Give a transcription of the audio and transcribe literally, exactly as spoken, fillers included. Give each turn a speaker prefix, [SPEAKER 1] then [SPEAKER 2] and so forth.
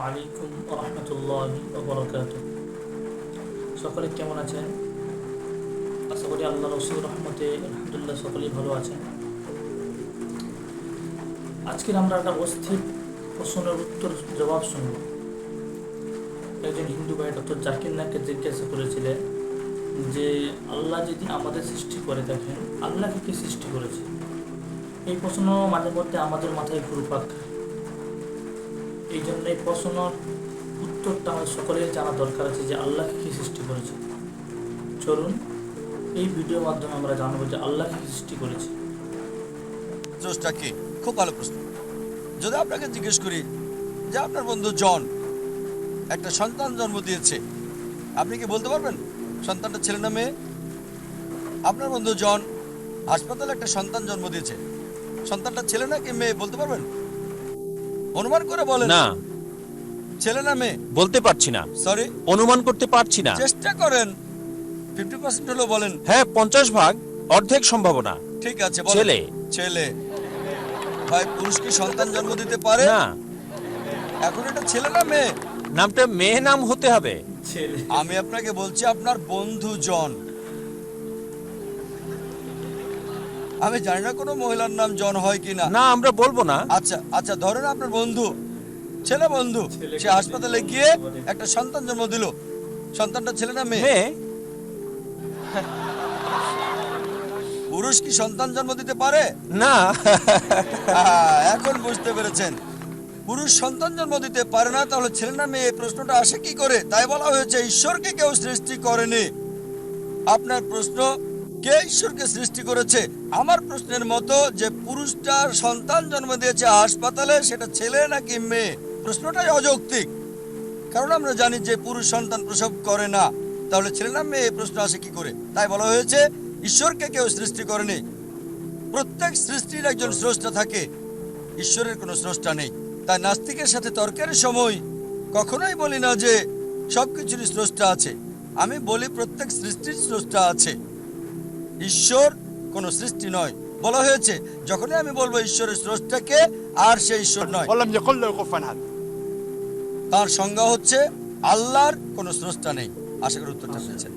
[SPEAKER 1] আলাইকুম ওয়া রাহমাতুল্লাহি ওয়া বারাকাতুহু। সকলে কেমন আছেন? আশা করি আল্লাহ রসুল রহমতে আলহামদুলিল্লাহ সকলেই ভালো আছেন। আজকের আমরা একটা অস্থির প্রশ্নের উত্তর জবাব শুনব। একজন হিন্দু ভাই ডক্টর জাকির নাককে জিজ্ঞাসা করেছিলেন যে আল্লাহ যদি আমাদের সৃষ্টি করে থাকেন, আল্লাহকে কি সৃষ্টি করেছে? এই প্রশ্ন মাঝে মধ্যে আমাদের মাথায় ঘুরপাক খায়। এই জন্য এই প্রশ্নের উত্তরটা আমাদের সকলের জানা দরকার আছে যে আল্লাহকে কি সৃষ্টি করেছে। চলুন এই ভিডিওর মাধ্যমে আমরা জানবো যে আল্লাহকে কি সৃষ্টি করেছে।
[SPEAKER 2] স্রষ্টা কে? খুব ভালো প্রশ্ন। যদি আপনাকে জিজ্ঞেস করি যে আপনার বন্ধু জন একটা সন্তান জন্ম দিয়েছে, আপনি কি বলতে পারবেন সন্তানটা ছেলে না মেয়ে? আপনার বন্ধু জন হাসপাতালে একটা সন্তান জন্ম দিয়েছে, সন্তানটা ছেলে না কি মেয়ে বলতে পারবেন? অনুমান করে বলেন
[SPEAKER 3] না,
[SPEAKER 2] ছেলে না মেয়ে।
[SPEAKER 3] বলতে পারছি না,
[SPEAKER 2] সরি,
[SPEAKER 3] অনুমান করতে পারছি না।
[SPEAKER 2] চেষ্টা করেন, ফিফটি পার্সেন্ট হলেও বলেন।
[SPEAKER 3] হ্যাঁ, পঞ্চাশ ভাগ, অর্ধেক সম্ভাবনা।
[SPEAKER 2] ঠিক আছে, বলেন।
[SPEAKER 3] ছেলে।
[SPEAKER 2] ছেলে। ভাই, পুরুষ কি সন্তান জন্ম দিতে পারে?
[SPEAKER 3] না,
[SPEAKER 2] এখন এটা ছেলে না মেয়ে?
[SPEAKER 3] নামটা মেয়ে নাম হতে হবে।
[SPEAKER 1] ছেলে।
[SPEAKER 2] আমি আপনাকে বলছি আপনার বন্ধু জন। আমি জানি না কোনো মহিলার নাম জন হয় কিনা।
[SPEAKER 3] না, আমরা বলবো না।
[SPEAKER 2] আচ্ছা আচ্ছা, ধরেন আপনার বন্ধু, ছেলে বন্ধু,
[SPEAKER 1] ছেলে।
[SPEAKER 2] সে হাসপাতালে গিয়ে একটা সন্তান জন্ম দিল। সন্তানটা ছেলে না মেয়ে?
[SPEAKER 3] মেয়ে।
[SPEAKER 2] পুরুষ কি সন্তান জন্ম দিতে পারে?
[SPEAKER 3] না।
[SPEAKER 2] আহ, এখন বুঝতে পেরেছেন, পুরুষ সন্তান জন্ম দিতে পারে না, তাহলে ছেলে না মেয়ে এই প্রশ্নটা আসে কি করে? তাই বলা হয়েছে ঈশ্বরকে কেউ সৃষ্টি করেনি। আপনার প্রশ্ন, কে ঈশ্বরকে সৃষ্টি করেছে? আমার প্রশ্নের মতো যে পুরুষটার সন্তান জন্ম দিয়েছে হাসপাতালে, সেটা ছেলে নাকি মেয়ে, প্রশ্নটাই অযৌক্তিক। কারণ আমরা জানি যে পুরুষ সন্তান প্রসব করে না, তাহলে ছেলে না মেয়ে এই প্রশ্ন আসে কি করে? তাই বলা হয়েছে ঈশ্বরকে কেউ সৃষ্টি করেনি। প্রত্যেক সৃষ্টির একজন স্রষ্টা থাকে, ঈশ্বরের কোনো স্রষ্টা নেই। তাই নাস্তিকের সাথে তর্কের সময় কখনোই বলি না যে সবকিছুরই স্রষ্টা আছে। আমি বলি প্রত্যেক সৃষ্টির স্রষ্টা আছে, ঈশ্বর কোনো সৃষ্টি নয়। বলা হয়েছে যখনই আমি বলবো ঈশ্বরের স্রষ্টাকে, আর সে ঈশ্বর নয়।
[SPEAKER 4] ولم يقل له كفوا احد।
[SPEAKER 2] তার সংজ্ঞা হচ্ছে আল্লাহর কোনো স্রষ্টা নেই। আশা করি উত্তরটা পেয়েছেন।